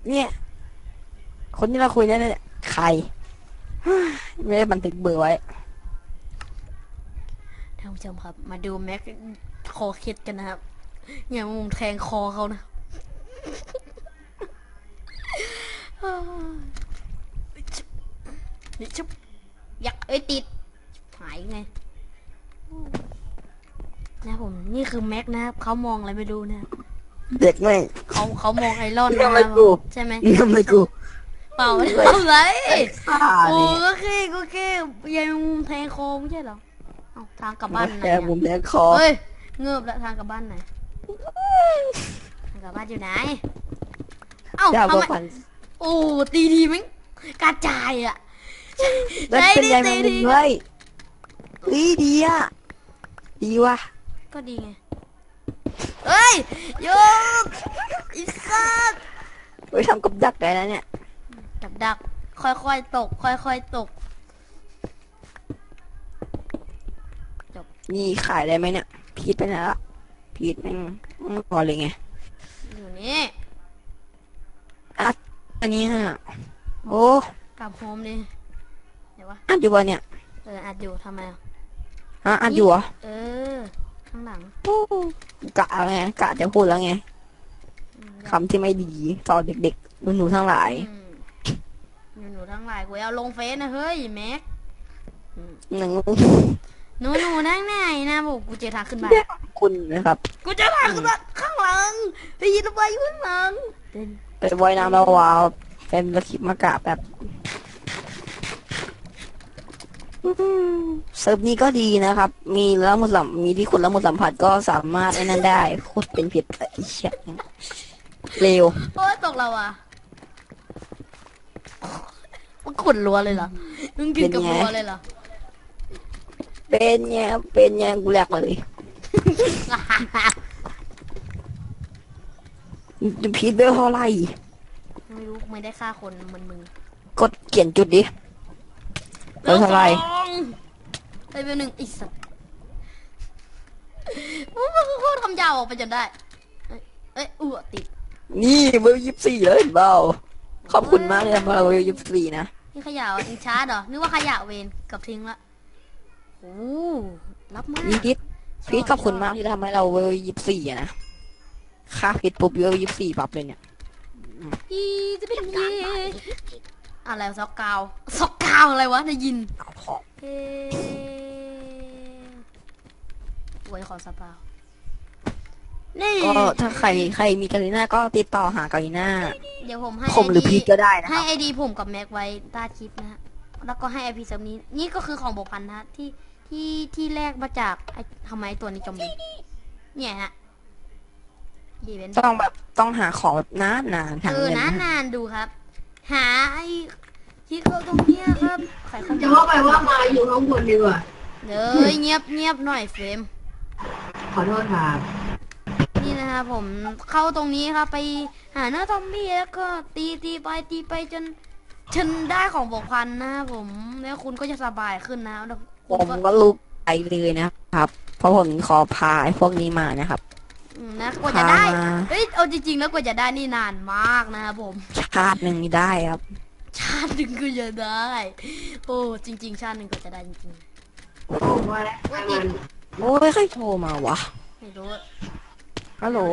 เนี่ยคนที่เราคุยเนี่ยใครไม่ได้บันทึกเบอร์ไว้ท่านผู้ชมครับมาดูแม็กคอเคล็ดกันนะครับอย่ามุมแทงคอเขานะนี่ชุบยักติดหายไงนะผมนี่คือแม็กนะครับเขามองอะไรไม่รู้นะเด็กไม่เขามองไอรอนนะทำอะไรครับกูใช่ไหมทำอะไรกูเปล่าทำไรฆ่าโอ้นี่ก็แค่ยังมุมแทงคอไม่ใช่เหรอเอาทางกลับบ้านไหนแค่มุมแดงคอเฮ้ยเงือบแล้วทางกลับบ้านไหนทางกลับบ้านอยู่ไหนเอ้าเจ้าทำก็ไมฝันโอ้ตีดีมั้งกระจายอ่ะแล้วเป็นยังไงมึงเฮ้ยดีอ่ะดีว่ะก็ดีไงเฮ้ยโยกอีสัตว์ไปทำกับดักได้แล้วเนี่ยดักค่อยๆตกค่อยๆตกนี่ขายได้ไหมเนี่ยพีทไปไหนละพีทแม่งพอเลยไงอยู่นี่อันนี้ฮะโอ้กลับโฮมดิเดี๋ยววะอัดอยู่วะเนี่ยอัดอยู่ทำไมอ่ะฮะอัดอยู่เหรอข้างหลังกะไงกะจะพูดแล้วไงคำที่ไม่ดีต่อเด็กๆหนูทั้งหลายหนูทั้งหลายกูเอาลงเฟซนะเฮ้ยแม็กหนึ่งหนูนั่งไหนนะบอกกูเจอทางขึ้นบ้านคุณนะครับกูเจอทางขึ้นบ้านข้างหลังได้ยินไปอยู่ข้างหลังไปว่ายน้ำแล้วว้าวเป็นสคริปต์มากะแบบเซิร์ฟนี้ก็ดีนะครับมีแล้วมุสลิมมีที่คุณแล้วมุสลิมผัดก็สามารถไอ้นั่นได้โคตรเป็นผิดไอ้เชี่ยเร็วโอ้ยตกเราอ่ะมันขุดรัวเลยเหรอมึงกินกับรัวเลยเหรอเป็นไงกูแหลกเลยพีทเบลเท่าไรไม่รู้ไม่ได้ฆ่าคนมันมึงกดเขียนจุดดิเบลเท่าไรไปเบลหนึ่งอีสัตว์มันโคตรคำยาวออกไปจนได้ติดนี่เบล24เลยเบาขอบคุณมากเลยเบล24นะนี่ขยะอิงชาร์ดเหรอนึกว่าขยะเวนกับทิ้งละโอ้รับมากนี่พีทขอบคุณมากที่ทำให้เราเวล24นะค่าพีทปุ๊บเวล24ปั๊บเลยเนี่ยจะเป็นเย่อะไรซอกกาวอะไรวะได้ยินไว้ขอสปานี่ก็ถ้าใครมีกาลิน่าก็ติดต่อหากาลิน่าเดี๋ยวผมให้ผมหรือพีทก็ได้นะให้ไอดีผมกับแม็กไว้ใต้คลิปนะฮะแล้วก็ให้ไอพีเซิร์ฟนี้นี่ก็คือของบกพันนะที่แรกมาจากทำไมตัวนี้จมเนี่ยฮะต้องหาของแบบนานนานดูครับหาไอที่เขาตรงเนี้ยครับจะว่าไปว่ามาอยู่ข้างบนดีกว่าเงียบหน่อยเฟรมขอโทษครับนี่นะครับผมเข้าตรงนี้ครับไปหาเนื้อซอมบี้แล้วก็ตีไปจนได้ของบกพันนะผมแล้วคุณก็จะสบายขึ้นนะผมก็ลุกไปเลยนะครับเพราะผมขอพาไอ้พวกนี้มานะครับนะกว่าจะได้เอาจริงๆแล้วกว่าจะได้นี่นานมากนะครับผมชาติหนึ่งได้ครับชาติหนึ่งก็จะได้โอ้จริงๆชาติหนึ่งก็จะได้จริงๆโอ้ว่าแล้วโอ้ยใครโทรมาวะไม่รู้ฮัลโหล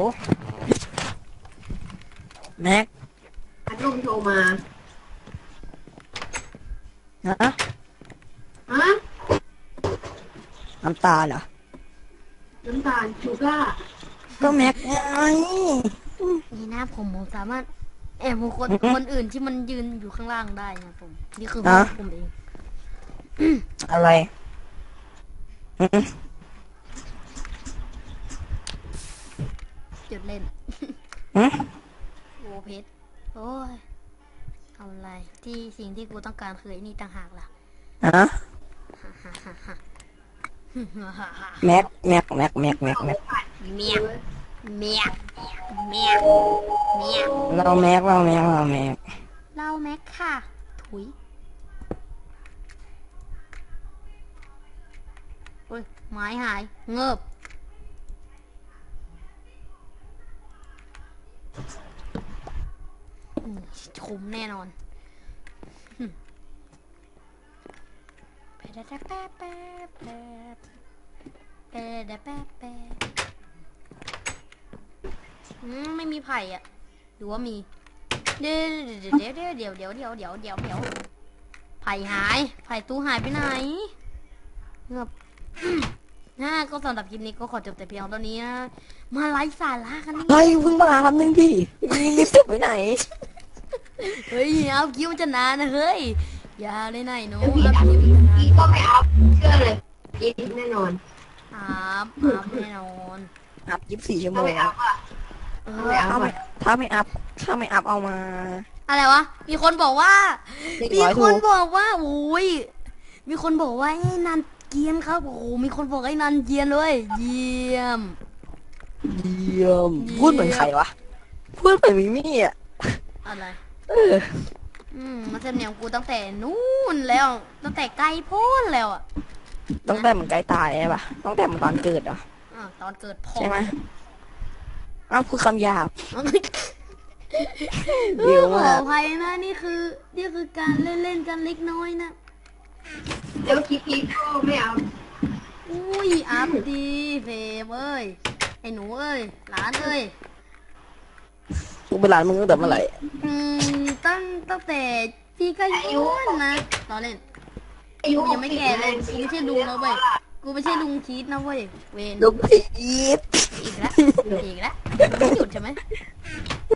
แม็กพัดลมโทรมาฮะน้ำตาเหรอน้ำตาลชูก้าก็แม็กไงนี่นะผมสามารถแอบคนอื่นที่มันยืนอยู่ข้างล่างได้นะผมนี่คือผมเองอะไรจุดเล่นโอ้เพชรโอ้ยเอาอะไรที่สิ่งที่กูต้องการคือนี่ต่างหากล่ะแม็กเราแม็กค่ะถุยโอ้ยไม้หายเงิบคุ้มแน่นอนแป๊บแป๊บแป๊บแป๊บแป๊บแป๊บแป๊บแป๊บไม่มีไผ่อะหรือว่ามีเดี๋ยวไผ่หายไผ่ตู้หายไปไหนเงือบก็สำหรับคลิปนี้ก็ขอจบแต่เพียงเท่านี้นะมาไลฟ์สาระกันนี่เฮ้ยเพิ่งมาคำนึงพี่รีบจบไปไหนเฮ้ยเอาคิวมันจะนานนะเฮ้ยอย่าเลยนายหนูเอาคิวมันจะนานอีกก็ไม่อัพเชื่อเลยอีกแน่นอนอัพแน่นอนอัพ24 ชั่วโมถ้าง ไม่อัพอ่ะเอถ้าอไม่อัพถ้าไม่อัพเอามาอะไรวะมีคนบอกว่า 100 มีคนบอกว่าโอ้ยมีคนบอกว่าไอ้นันเกรียนครับโอ้โหมีคนบอกไอ้นันเกรียนเลยเยี่ยมเยี่ยมพูดเหมือนใครวะพูดเหมือนมิมี่อ่ะอะไรเออมาเสนอกูตั้งแต่นู่นแล้วตั้งแต่ไกลโพ้นแล้วอ่ะตั้งแต่มันใกล้ตายใช่ปะตั้งแต่มันตอนเกิดเหรอตอนเกิดพ่อใช่ไหมอ้าวพูดคำหยาบเอเดี๋อยวขอมาอภัยนะนี่คือการเล่นกันเล็กน้อยนะเดี๋ยวคลิปอีกก็ไม่อัพอุ้ยอัพดีเฟมเอ้ยไอ้หนูเอ้ยหลานเอ้ยกูเป็นหลานมึงตั้งแต่เมื่อไหร่ตั้งแต่พี่ก็ยุ่นนะตอนเล่นอายุกูยังไม่แก่เลยกูไม่ใช่ลุงแล้วเว้ยกูไม่ใช่ลุงชีสนะเว้ยเวนลูกพีทอีกแล้วไม่หยุดใช่ไหม